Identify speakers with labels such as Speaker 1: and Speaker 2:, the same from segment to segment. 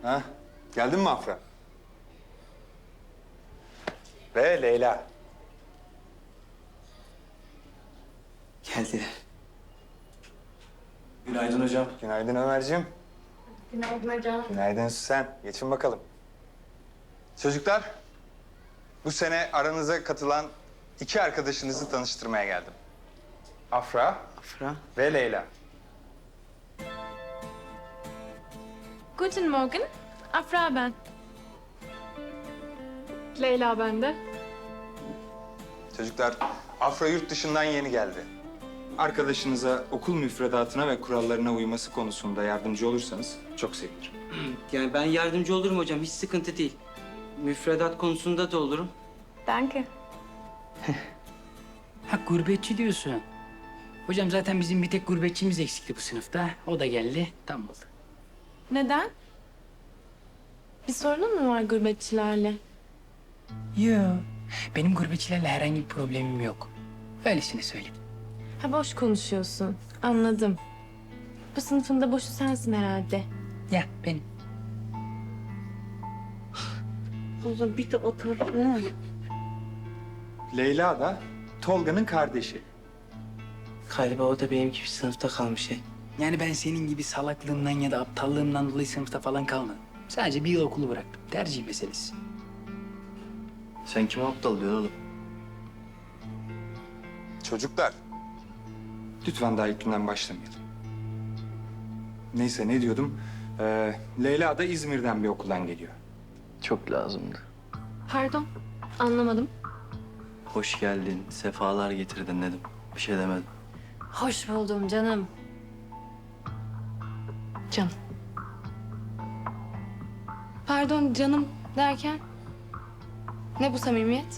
Speaker 1: Ha? Geldin mi Afra? Ve Leyla.
Speaker 2: Geldiler. Günaydın hocam.
Speaker 1: Günaydın Ömerciğim.
Speaker 3: Günaydın hocam.
Speaker 1: Günaydın Süsen. Geçin bakalım. Çocuklar, bu sene aranıza katılan iki arkadaşınızı tanıştırmaya geldim. Afra
Speaker 2: Afra.
Speaker 1: ve Leyla.
Speaker 3: Guten Morgen. Afra ben. Leyla ben de.
Speaker 1: Çocuklar, Afra yurt dışından yeni geldi. Arkadaşınıza okul müfredatına ve kurallarına uyması konusunda yardımcı olursanız çok sevinirim.
Speaker 2: Yani ben yardımcı olurum hocam. Hiç sıkıntı değil. Müfredat konusunda da olurum.
Speaker 3: Danke.
Speaker 4: Ha gurbetçi diyorsun. Hocam zaten bizim bir tek gurbetçimiz eksikti bu sınıfta. O da geldi. Tam oldu.
Speaker 3: Neden? Bir sorunun mu var gurbetçilerle?
Speaker 4: Yo. Benim gurbetçilerle herhangi bir problemim yok. Öylesine söyledim.
Speaker 3: Ha boş konuşuyorsun. Anladım. Bu sınıfın da boşu sensin herhalde.
Speaker 4: Ya benim.
Speaker 2: Bir de otur.
Speaker 1: Leyla da Tolga'nın kardeşi.
Speaker 2: Galiba o da benim gibi sınıfta kalmış.
Speaker 4: Yani ben senin gibi salaklığımdan ya da aptallığımdan dolayı sınıfta falan kalmadım. Sadece bir yıl okulu bıraktım. Tercih meselesi.
Speaker 5: Sen kime aptal diyorsun oğlum?
Speaker 1: Çocuklar, lütfen daha ilk günden başlamayalım. Neyse ne diyordum? Leyla da İzmir'den bir okuldan geliyor.
Speaker 5: Çok lazımdı.
Speaker 3: Pardon. Anlamadım.
Speaker 5: Hoş geldin, sefalar getirdin dedim. Bir şey demedim.
Speaker 3: Hoş buldum canım. Canım. Pardon canım derken? Ne bu samimiyet?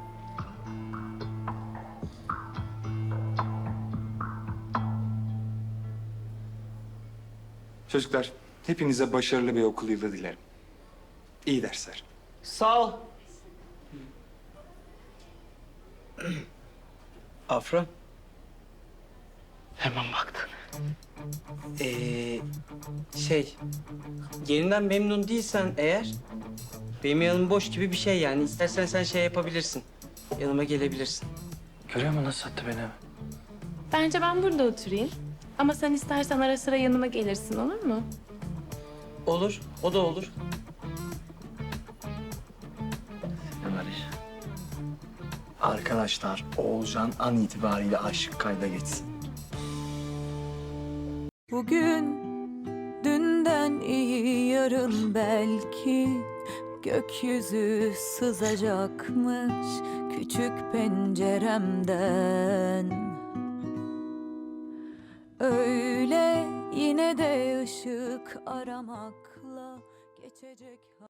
Speaker 1: Çocuklar, hepinize başarılı bir okul yılı dilerim. İyi dersler.
Speaker 2: Sağ ol. Afra. Hemen baktın. Yerinden memnun değilsen eğer... Benim yanım boş gibi bir şey yani. İstersen sen şey yapabilirsin. Yanıma gelebilirsin.
Speaker 5: Görüyor musun nasıl sattı beni?
Speaker 3: Bence ben burada oturayım. Ama sen istersen ara sıra yanıma gelirsin, olur mu?
Speaker 2: Olur, o da olur.
Speaker 5: Ömer. Arkadaşlar, Oğulcan an itibariyle aşık kayda geçsin.
Speaker 6: Bugün dünden iyi yarın belki gökyüzü sızacakmış küçük penceremden. Öyle yine de ışık aramakla geçecek.